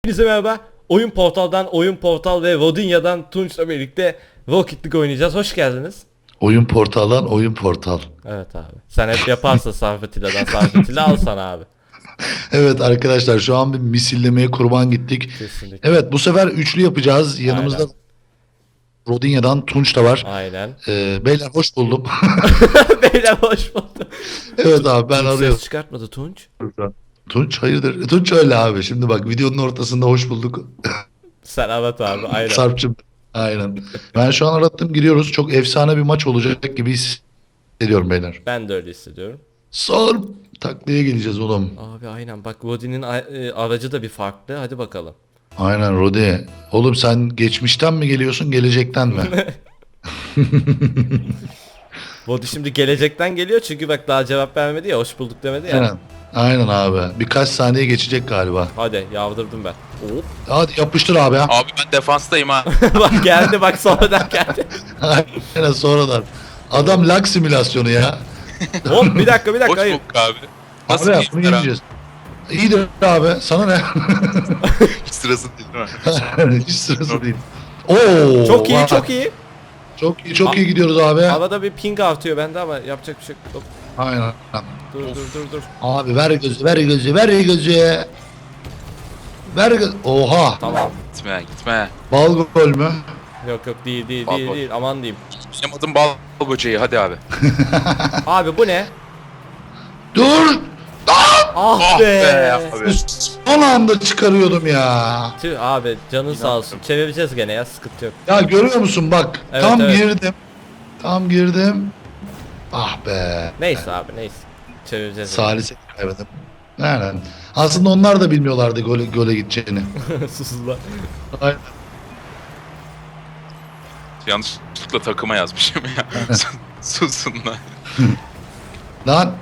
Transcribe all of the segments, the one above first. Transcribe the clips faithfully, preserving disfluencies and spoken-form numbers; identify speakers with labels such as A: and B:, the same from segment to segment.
A: Hepinize merhaba. Oyun Portal'dan, Oyun Portal ve Rodinya'dan Tunç'la birlikte Rocket League oynayacağız. Hoş geldiniz.
B: Oyun portaldan oyun portal.
A: Evet abi. Sen hep yaparsın Sarfetile'den Sarfetile al sana abi.
B: Evet arkadaşlar şu an bir misillemeye kurban gittik.
A: Kesinlikle.
B: Evet bu sefer üçlü yapacağız. Yanımızda
A: Aynen.
B: Rodinya'dan Tunç da var.
A: Aynen.
B: Ee, beyler hoş buldum.
A: Beyler hoş bulduk.
B: Evet abi ben
A: Tunç
B: arıyorum.
A: ses çıkartmadı Tunç.
B: Tunç hayırdır? Tunç öyle abi. Şimdi bak videonun ortasında hoş bulduk.
A: Sen evet abi aynen.
B: Sarp'cığım. Aynen. Ben şu an arattım giriyoruz. Çok efsane bir maç olacak gibi hissediyorum beyler.
A: Ben de öyle hissediyorum.
B: Sarp taklaya geleceğiz oğlum.
A: Abi aynen bak Rodi'nin a- e, aracı da bir farklı. Hadi bakalım.
B: Aynen Rodi. Oğlum sen geçmişten mi geliyorsun gelecekten mi?
A: Rodi şimdi gelecekten geliyor çünkü bak daha cevap vermedi ya, hoş bulduk demedi ya.
B: Aynen. Aynen abi. Birkaç saniye geçecek galiba.
A: Hadi yavdırdım ben. Hop.
B: Hadi yapıştır abi ya.
C: Abi ben defanstayım ha.
A: Bak geldi bak sonradan geldi.
B: Aynen sonradan. Adam lag simülasyonu ya.
A: Hop bir dakika bir dakika
C: Hoş
A: hayır.
C: bulduk abi. Nasıl
B: Abi
C: bir
B: bunu
C: iftira?
B: yeneceğiz. İyidir abi. Sana ne?
C: Hiç sırası değil mi?
B: Hiç sırası değil. Oo,
A: Çok iyi
B: vay.
A: çok iyi.
B: Çok iyi çok iyi gidiyoruz abi.
A: Havada bir ping artıyor bende ama yapacak bir şey yok. Hop,
B: Aynen.
A: dur dur dur dur.
B: Abi ver gözü ver gözü ver gözü. Ver gözü. Oha.
A: Tamam.
C: Gitme gitme.
B: Bal gol mü?
A: Yok yok değil değil
C: Bal
A: değil
C: bal.
A: değil aman diyeyim.
C: Benim adım bal böceği hadi abi.
A: Abi bu ne?
B: Dur.
A: Ah
C: Ah
A: be.
C: be abi.
B: Son anda çıkarıyordum ya.
A: Tüh abi canın sağ olsun. Çevireceğiz gene ya, sıkıntı yok.
B: Ya görüyor musun bak.
A: Evet,
B: tam
A: evet.
B: girdim. Tam girdim. Ah be.
A: Neyse abi neyse. Çevireceğiz.
B: Salise kaybettim. Aynen. Aslında onlar da bilmiyorlardı gole, gole gideceğini.
A: Susuzlar.
B: Aynen.
C: Yanlışlıkla takıma yazmışım ya. Susun lan.
B: Lan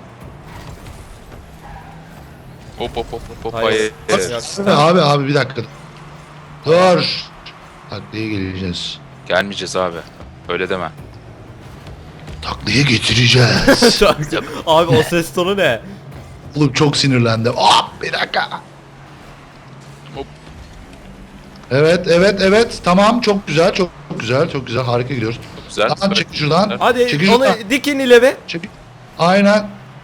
C: Hop hop hop hop hop.
A: Hayır.
C: Hayır.
A: Yok.
B: abi abi bir dakika. Dur. Taklaya geleceğiz.
C: Gelmeyeceğiz abi. Öyle deme.
B: Taklaya getireceğiz.
A: Çok- abi o ses tonu ne?
B: Oğlum çok sinirlendim. Ah bir dakika.
C: Hop.
B: Evet evet evet tamam çok güzel çok güzel çok güzel harika gidiyoruz.
C: Güzel.
B: Lan çek şuradan.
A: Hadi
B: Çekil
A: onu
B: şuradan.
A: dikin ileri.
B: Çek. Aynen.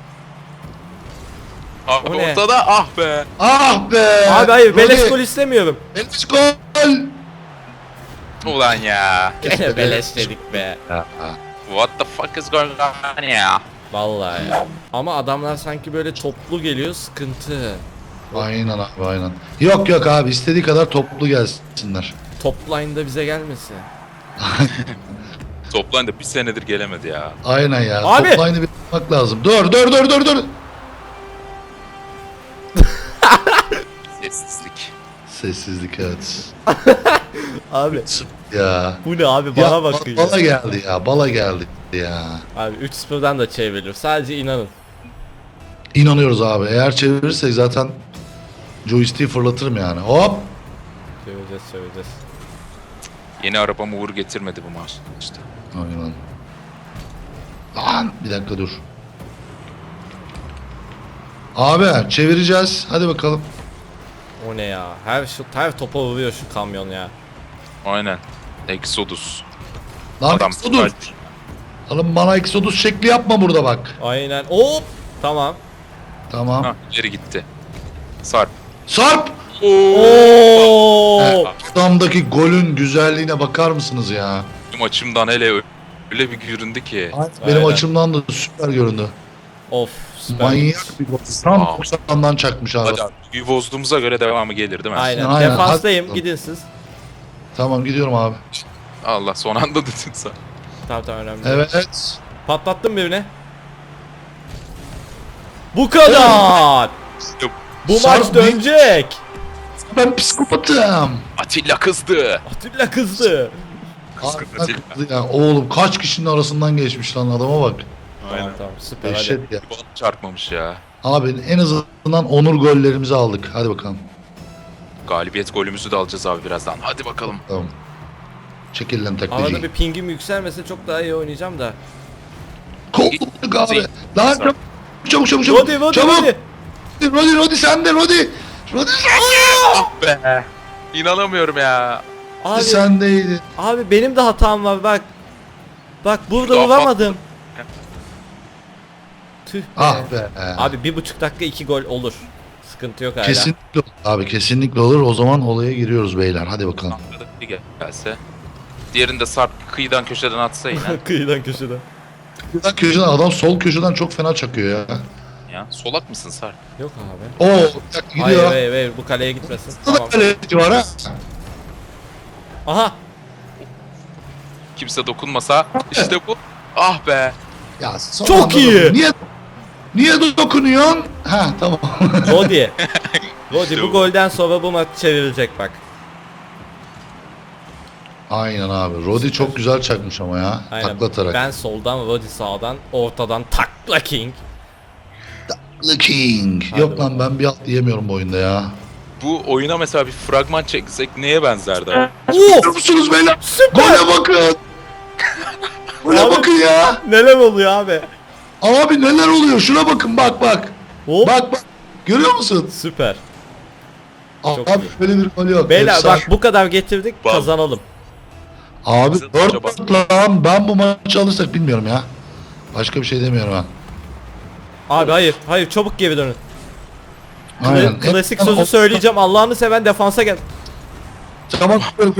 C: Abi
A: O ne?
C: ortada ah be.
B: Ah be.
A: Abi hayır
B: Rodi,
A: beleş gol istemiyorum.
B: Beleş gol.
C: Ulan ya.
A: Gene beleş dedik be.
C: What the fuck is going on ya?
A: Vallahi ya. Ama adamlar sanki böyle toplu geliyor, sıkıntı.
B: Aynen abi aynen. Yok yok abi istediği kadar toplu gelsinler.
A: Top line'da bize gelmesin.
C: Toplan da bir senedir gelemedi ya.
B: Aynen ya.
A: Abi!
B: Top line'ı bir yapmak lazım. Dur dur dur dur dur.
C: Sessizlik.
B: Sessizlik evet.
A: Abi
B: Ya.
A: bu ne abi, bana
B: ya,
A: bakın
B: Bala
A: ya.
B: geldi ya. Bala geldi ya.
A: Abi üç sıfırdan da çevrilir. Sadece inanın.
B: İnanıyoruz abi. Eğer çevirirsek zaten joystick'i fırlatırım yani. Hop.
A: Çevireceğiz çevireceğiz.
C: Yeni arabamı uğur getirmedi bu maç işte.
B: Aynen. Lan bir dakika dur. Abi çevireceğiz. Hadi bakalım.
A: O ne ya? Her şu her topa vuruyor şu kamyon ya.
C: Aynen. Exodus.
B: Lan
C: Adam
B: Exodus. Oğlum bana Exodus şekli yapma burada bak.
A: Aynen. Hop. Tamam.
B: Tamam.
C: Ha, ileri gitti. Sarp.
B: Sarp.
A: Oo.
B: Adamdaki golün güzelliğine bakar mısınız ya?
C: Benim açımdan hele öyle bir göründü ki.
B: Benim
A: Aynen.
B: açımdan da süper göründü.
A: Of. Süper.
B: Manyak bir gol. Tam
C: Wow.
B: doksandan çakmış abi.
C: Hadi abi. Büyü bozduğumuza göre devamı gelir değil mi?
A: Aynen.
B: Aynen.
A: Defanstayım.
B: Hadi.
A: Gidin siz.
B: Tamam gidiyorum abi.
C: Allah son anda dedin sen.
A: Tamam tamam önemli. değil.
B: Evet.
A: Patlattım birine. Bu kadar.
C: Yok,
A: Bu
B: Sarp
A: maç
B: bir-
A: dönecek.
B: Ben psikopatım.
C: Atilla kızdı.
A: Atilla kızdı.
C: Kızdı
B: Abi,
C: Atilla.
B: haklı ya. Oğlum kaç kişinin arasından geçmiş lan adama bak.
A: Tamam
C: Aynen.
A: tamam süper hadi.
B: Dehşet ya.
C: Bana çarpmamış ya.
B: Abi en azından onur gollerimizi aldık. Hadi bakalım.
C: Galibiyet golümüzü de alacağız abi birazdan. Hadi bakalım.
B: Tamam. Çekil lan
A: Arada
B: taklacı.
A: bir pingim yükselmese çok daha iyi oynayacağım da.
B: Kovulduk abi. Lan çabuk çabuk çabuk çabuk.
A: Rodi Rodi
B: çabuk.
A: Rodi.
B: Rodi Rodi sen de Rodi. Rodi sen
C: Be. İnanamıyorum ya.
A: Abi,
B: sendeydi.
A: abi benim de hatam var bak. Bak burada
C: Şurada
A: vuramadım. Tüh be.
B: Ah be.
A: Abi bir buçuk dakika iki gol olur. Sıkıntı yok hala.
B: Kesinlikle olur abi, kesinlikle olur. O zaman olaya giriyoruz beyler. Hadi bakalım.
C: Anladık bir gelse. Diğerini de Sarp kıyıdan köşeden atsa yine.
A: Kıyıdan köşeden.
B: Köşeden, köşeden adam sol köşeden çok fena çakıyor ya.
C: Ya solak mısın Sarp?
A: Yok abi.
B: Oo, bir dakika
A: Hayır
B: gidiyor.
A: hayır hayır bu kaleye gitmesin.
B: Burada
A: Tamam.
B: da kaleci var ha.
A: Aha.
C: Kimse dokunmasa işte bu. Ah be.
B: Ya son
A: Çok
B: anda
A: iyi.
B: dokun- Niye niye dokunuyorsun? Ha tamam.
A: Rodi. Rodi
C: İşte
A: bu
C: bu.
A: golden sonra bu maç çevrilecek bak.
B: Aynen abi. Rodi çok güzel çakmış ama ya.
A: Aynen.
B: Taklatarak.
A: Ben soldan, Rodi sağdan, ortadan takla king.
B: The King.
A: Hadi
B: Yok
A: bakalım.
B: lan, ben bir alt diyemiyorum bu oyunda ya.
C: Bu oyuna mesela bir fragman çeksek neye benzerdi abi?
B: Görüyor musunuz beyler?
A: Süper.
B: Gole bakın. Gole
A: Abi-
B: bakın ya.
A: Neler oluyor abi?
B: Abi neler oluyor? Şuna bakın, bak bak.
A: Hop.
B: Bak bak. Görüyor musun?
A: Süper. Çok
B: Abi
A: iyi.
B: böyle bir gol yok.
A: Beyler
B: Efsane.
A: bak bu kadar getirdik
C: Bak.
A: kazanalım.
B: Abi
C: Bize
B: dört
C: acaba-
B: dört lan, ben bu maçı alırsak bilmiyorum ya. Başka bir şey demiyorum ha.
A: Abi hayır hayır çabuk geri dönün. Kla-
B: Aynen.
A: Klasik
B: Hep-
A: sözü söyleyeceğim, Allah'ını seven defansa gel.
B: Tamam.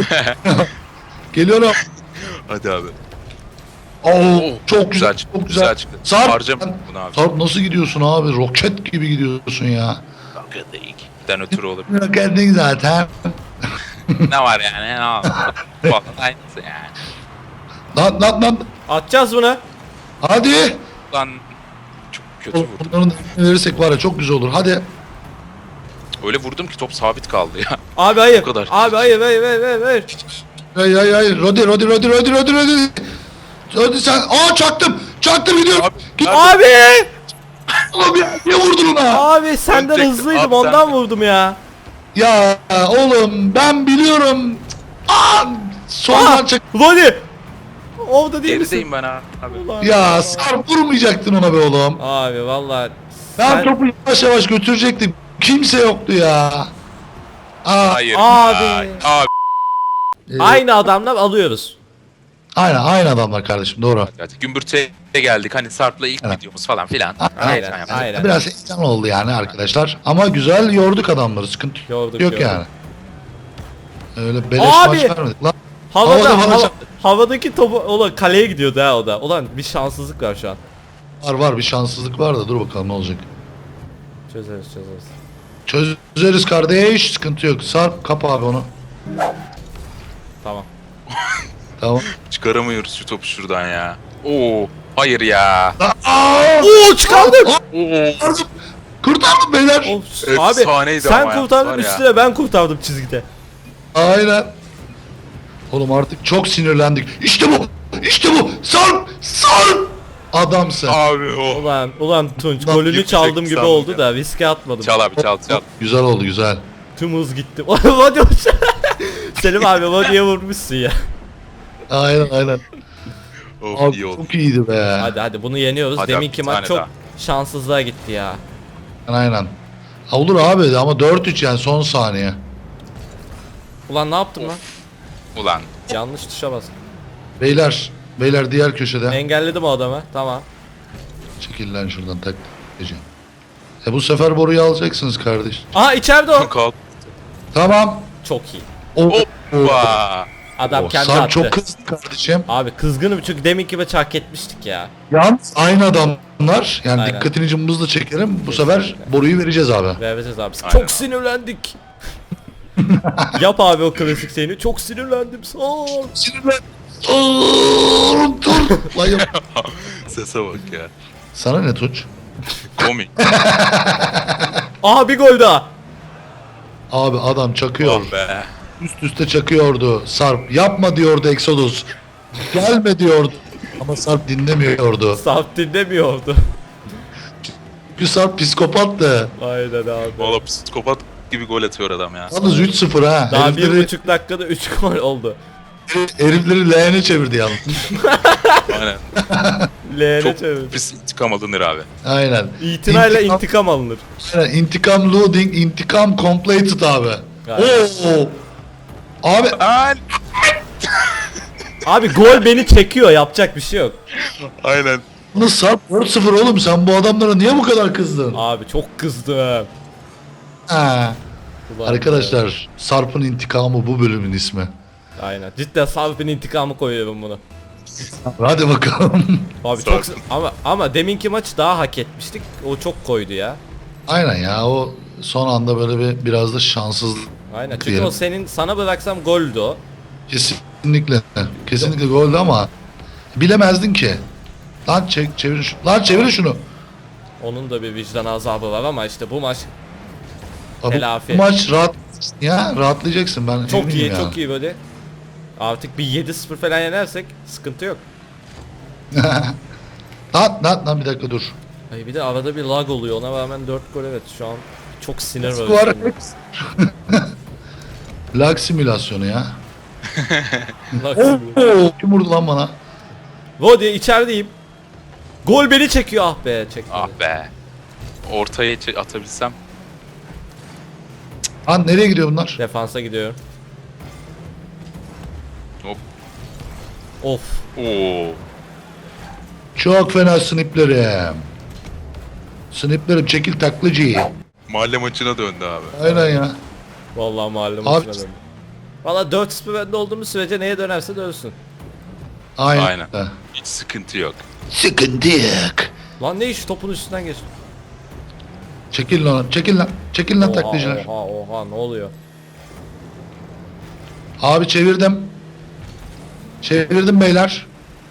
B: Geliyorum.
C: Hadi abi.
B: Oo,
C: Oo,
B: çok güzel,
C: çıktı.
B: çok güzel.
C: çıktı.
B: Sarp,
C: Harcam
B: sen-
C: bunu abi.
B: Sarp nasıl gidiyorsun abi? Roket gibi gidiyorsun ya.
C: Den ötürü olur.
B: Roketin zaten.
C: Ne var yani? Ne var? Falan aynısı yani.
B: Lan lan lan.
A: Atacağız bunu.
B: Hadi.
C: Lan çok kötü vurdum.
B: Bunların da verirsek var ya çok güzel olur. Hadi.
C: Öyle vurdum ki top sabit kaldı ya.
A: Abi hayır.
C: O kadar.
A: Abi hayır hayır hayır hayır. hayır.
B: Hay hay hay. Rodi Rodi Rodi Rodi Rodi Rodi. Rodi sen. Aa çaktım. Çaktım gidiyorum.
C: Abi,
B: Git
A: Abi!
B: oğlum ya. Niye vurdun ona?
A: Abi senden
C: Tek-
A: hızlıydım
C: abi
A: ondan
C: sen-
A: vurdum ya.
B: Ya oğlum ben biliyorum. Aa, soldan
A: Aa!
B: çak.
A: Rodi! Orada değil misin?
C: Gerideyim ben abi.
A: Ulan
B: Ya Sarp vurmayacaktın ona be oğlum.
A: Abi valla
B: Ben
A: sen-
B: topu yavaş yavaş götürecektim. Kimse yoktu ya. Aa,
C: Hayır.
A: Abi.
C: ya. Abi.
B: e,
A: aynı adamlar alıyoruz.
B: Aynen aynı adamlar kardeşim, doğru.
C: Evet, Gümbürtü'ye geldik. Hani Sarp'la ilk
B: Evet.
C: videomuz falan filan.
A: Aynen,
C: Aynen.
A: aynen.
B: Biraz heyecan oldu yani arkadaşlar. Ama güzel yorduk adamları. Sıkıntı
A: Yorduk,
B: yok
A: yorduk.
B: yani. Öyle beleş
A: Abi!
B: maç vermedik lan.
A: Havada,
B: Havada bana
A: hava-
B: çarptı.
A: havadaki topu ulan kaleye gidiyordu ha o da. Ulan bir şanssızlık var şu an.
B: Var var bir şanssızlık var da dur bakalım ne olacak.
A: Çözeriz çözeriz.
B: Çözeriz kardeş, sıkıntı yok. Sarp kap abi onu.
A: Tamam.
B: Tamam.
C: Çıkaramıyoruz şu topu şuradan ya. Oo. Hayır ya.
B: Aa!
A: Oo çıkardık.
C: Oo.
B: Kurtardım. Kurtardım beyler.
A: Of,
C: Efsaneydi
A: abi sen
C: ama ya,
A: kurtardın
C: var ya.
A: üstüne ben kurtardım çizgide.
B: Aynen. Oğlum artık çok sinirlendik. İşte bu. İşte bu. Sarp. Sarp. Adamsın.
C: Abi o.
A: Ulan ulan Tunç
B: Ulan
A: golünü
C: yüksek
A: çaldım gibi
C: sandım
A: oldu
C: ya.
A: da riske atmadım.
C: Çal abi çal çal.
B: Güzel oldu güzel.
A: Tüm hız gitti. Rodi Selim abi Rodi'ye vurmuşsun ya.
B: Aynen aynen.
C: Of
B: Abi
C: iyi oldu.
B: çok iyiydi be.
A: Hadi hadi bunu yeniyoruz.
C: Hadi abi,
A: Deminki
C: bir
A: maç
C: tane
A: çok
C: daha.
A: şanssızlığa gitti ya.
B: Aynen. Ha, olur abi ama dört üç yani son saniye.
A: Ulan ne yaptım lan?
C: Ulan.
A: Yanlış tuşa bastım.
B: Beyler. Beyler diğer köşede.
A: Engelledim o adamı. Tamam.
B: Çekil lan şuradan tak. Gece. E bu sefer boruyu alacaksınız kardeş.
A: Aha içeride o.
C: Kalk.
B: Tamam.
A: Çok iyi.
B: O,
C: Hoppa.
A: Adam
B: o,
A: kendi
B: Sarp
A: attı.
B: çok kızdı kardeşim.
A: Abi kızgınım çünkü deminki maçı hak etmiştik ya.
B: Yalnız aynı adamlar. Yani
A: Aynen.
B: dikkatini cımbızla çekerim. Bu sefer boruyu vereceğiz abi.
A: Vereceğiz abi.
C: Aynen.
A: Çok sinirlendik. Yap abi o klasik seni. Çok sinirlendim. Sağ ol.
B: Sinirlen. Dur dur. Lan yap-
C: Sese bak ya.
B: Sana ne Tunç?
C: Komik.
A: Aha bir gol daha.
B: Abi adam çakıyor.
C: Oh be.
B: Üst üste çakıyordu. Sarp yapma diyordu Exodus. Gelme diyordu. Ama Sarp dinlemiyordu.
A: Saf dinlemiyordu.
B: Çünkü Sarp psikopattı.
A: Aynen abi.
C: Valla psikopat gibi gol atıyor adam ya.
B: Yalnız üç sıfır ha.
A: Daha bir
B: Herifleri,
A: buçuk dakikada üç gol oldu.
B: herifleri leğene çevirdi yalnız.
C: Aynen.
A: Leğene
C: Çok
A: çevir.
C: pis intikam alınır abi.
B: Aynen.
A: İtinayla
B: İntikam-
A: intikam alınır.
B: Aynen. İntikam loading, intikam completed abi.
A: Aynen.
B: Oo. Abi
C: Aynen.
A: Abi gol beni çekiyor, yapacak bir şey yok.
C: Aynen.
B: bunu Sarp dört sıfır oğlum, sen bu adamlara niye bu kadar kızdın?
A: Abi çok kızdım.
B: Ha.
A: Ulan
B: Arkadaşlar Sarp'ın intikamı bu bölümün ismi.
A: be. Aynen. Cidden Sarp'ın intikamı koyuyorum bunu.
B: Hadi bakalım.
A: Abi
C: Sarp'ın.
A: çok ama ama deminki maçı daha hak etmiştik. O çok koydu ya.
B: Aynen ya, o son anda böyle bir biraz da şanssızlık.
A: Aynen. Çünkü
B: Diyelim.
A: o senin sana bıraksam goldü o.
B: Kesinlikle. Kesinlikle goldü ama bilemezdin ki. Lan çek, çevir şunu. Lan çevir şunu.
A: Onun da bir vicdan azabı var ama işte bu maç
B: Abi,
A: Telafi.
B: bu maç rahat ya, rahatlayacaksın ben.
A: çok
B: eminim
A: iyi,
B: ya.
A: çok iyi böyle. Artık bir yedi sıfır falan yenersek sıkıntı yok.
B: Lan lan lan bir dakika dur.
A: Ay bir de arada bir lag oluyor. Ona rağmen dört gol, evet, şu an çok sinir var.
B: Var.
A: üstümde.
B: Lag simülasyonu ya.
A: Lag
B: Oo,
A: sinir.
B: kim vurdu lan bana?
A: Vodi içerideyim. Gol beni çekiyor, ah be, çekti.
C: Ah be. Ortaya çe- atabilsem.
B: Lan nereye gidiyor bunlar?
A: Defansa gidiyorum.
C: Hop.
A: Of.
C: Oo.
B: Çok fena sniplerim. Sniplerim çekil taklacı.
C: Mahalle maçına döndü abi.
B: Aynen ya.
A: Vallahi mahalle
B: Abi-
A: maçına döndüm. Valla dört sıfır önde olduğumuz sürece neye dönerse dönsün.
B: Aynen.
C: Aynen. Hiç sıkıntı yok.
B: Sıkıntı yok.
A: Lan ne iş, topun üstünden geç.
B: Çekil lan, çekil lan. Çekil lan
A: Oha
B: taklacılar.
A: oha oha, ne oluyor?
B: Abi çevirdim. Çevirdim beyler.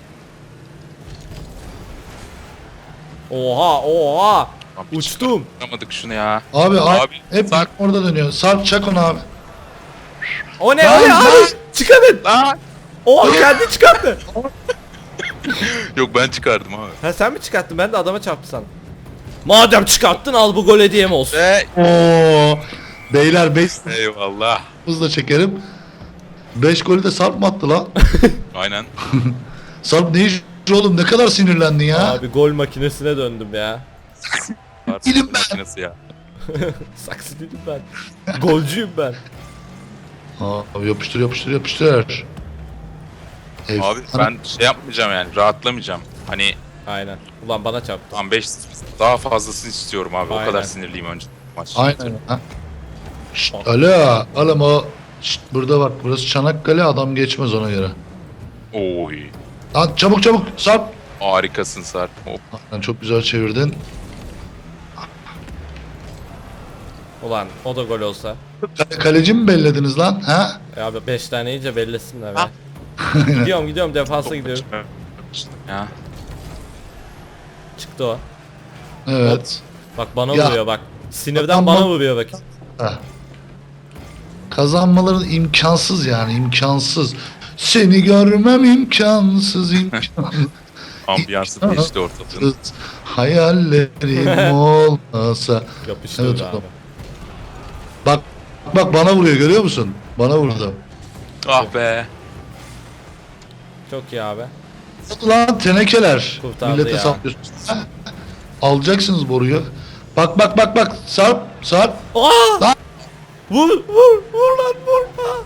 A: Oha oha.
C: Abi hiç
A: Uçtum.
C: Yapamadık şunu ya.
B: Abi,
C: Abi,
B: abi hep
C: Sarp.
B: orada dönüyor. Sarp çak onu abi.
A: O ne
B: Lan,
A: o ne
B: lan.
A: abi? Çıkarın.
C: Aa!
A: O kendi çıkarttı.
C: Yok ben çıkardım abi.
A: Ha sen mi çıkarttın? Ben de adama çarptı sandım. Madem çıkarttın, al bu gol hediyem olsun.
C: Ve
B: Oo. Beyler beş
C: eyvallah.
B: hızla çekerim. beş golü de Sarp mı attı lan?
C: Aynen.
B: Sarp ne iş oğlum, ne kadar sinirlendin ya?
A: Abi gol makinesine döndüm ya.
B: Değilim ben.
C: Makinesi ya.
A: Saksı dedim ben. Golcüyüm ben.
B: Abi yapıştır yapıştır yapıştır. Ev-
C: Abi ben şey yapmayacağım yani rahatlamayacağım. Hani
A: Aynen. Ulan bana çarptı.
C: tam beş daha fazlasını istiyorum abi.
A: Aynen.
C: O kadar sinirliyim önce maç.
B: Aynen. Ha? Şşt, alo, oğlum o. Şşt, burada bak, burası Çanakkale, adam geçmez ona göre.
C: Oy.
B: Lan çabuk çabuk Sarp.
C: Harikasın Sarp. Hop.
B: Lan çok güzel çevirdin.
A: Ulan o da gol olsa.
B: Kale- kaleci mi bellediniz lan? Ha?
A: E abi beş tane iyice bellesinler be.
C: Ha.
A: gidiyorum gidiyorum defansa gidiyorum.
C: Ya.
A: Çıktı o.
B: Evet.
A: Bak bana
B: Ya.
A: vuruyor bak. Sinirden
B: Adam
A: bana
B: bak-
A: vuruyor bak.
B: Ha. Kazanmaları imkansız yani, imkansız. Seni görmem imkansız, imkansız.
C: Ambiyansı değişti ortalığın.
B: Hayallerim olmasa.
A: Yapıştırdı
B: Evet,
A: abi.
B: oğlum. Bak bak bana vuruyor, görüyor musun? Bana vurdu.
C: Ah be.
A: Çok iyi abi.
B: Lan tenekeler.
A: Kurtardı
B: Millete
A: ya.
B: saplıyorsunuz. Ha? Alacaksınız boruyu. Bak bak bak bak. Sarp Sarp.
A: Aa!
B: Lan!
A: Vur vur vur lan vur. Aa!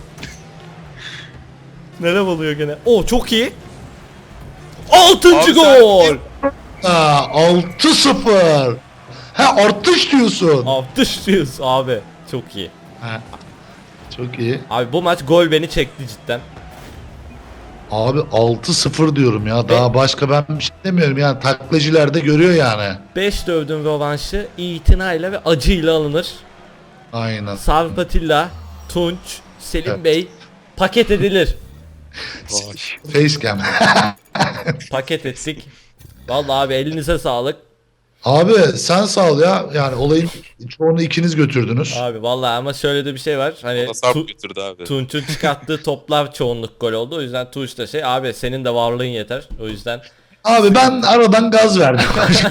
A: Nereye oluyor gene? Oo çok iyi. Altıncı
C: Abi sen-
A: gol.
B: Ha, altı sıfır. Ha, artış diyorsun.
A: Altış diyoruz abi. Çok iyi.
B: Ha. Çok iyi.
A: Abi bu maç gol beni çekti cidden.
B: Abi altı sıfır diyorum ya. Daha başka ben bir şey demiyorum yani. Taklacılar da görüyor yani.
A: beş dövdüm rövanşı itinayla ve acıyla alınır.
B: Aynen.
A: Sarp Atilla, Tunç, Selim
B: Evet.
A: Bey paket edilir.
B: Facecam.
A: Paket ettik. Vallahi abi elinize sağlık.
B: Abi sen sağ ol ya. Yani olayın çoğunu ikiniz götürdünüz.
A: Abi vallahi ama şöyle de bir şey var. Hani
C: O da Sarp
A: Tu-
C: götürdü abi.
A: Tunç'un çıkarttığı toplar çoğunluk gol oldu. O yüzden Tunç da şey abi senin de varlığın yeter. O yüzden
B: Abi ben aradan gaz verdim.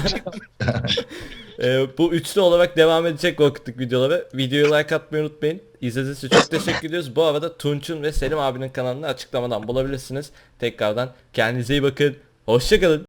A: e, bu üçlü olarak devam edecek vakitlik videoları. Videoyu like atmayı unutmayın. İzlediğiniz için çok teşekkür ediyoruz. Bu arada Tunç'un ve Selim abinin kanalını açıklamadan bulabilirsiniz. Tekrardan kendinize iyi bakın. Hoşçakalın.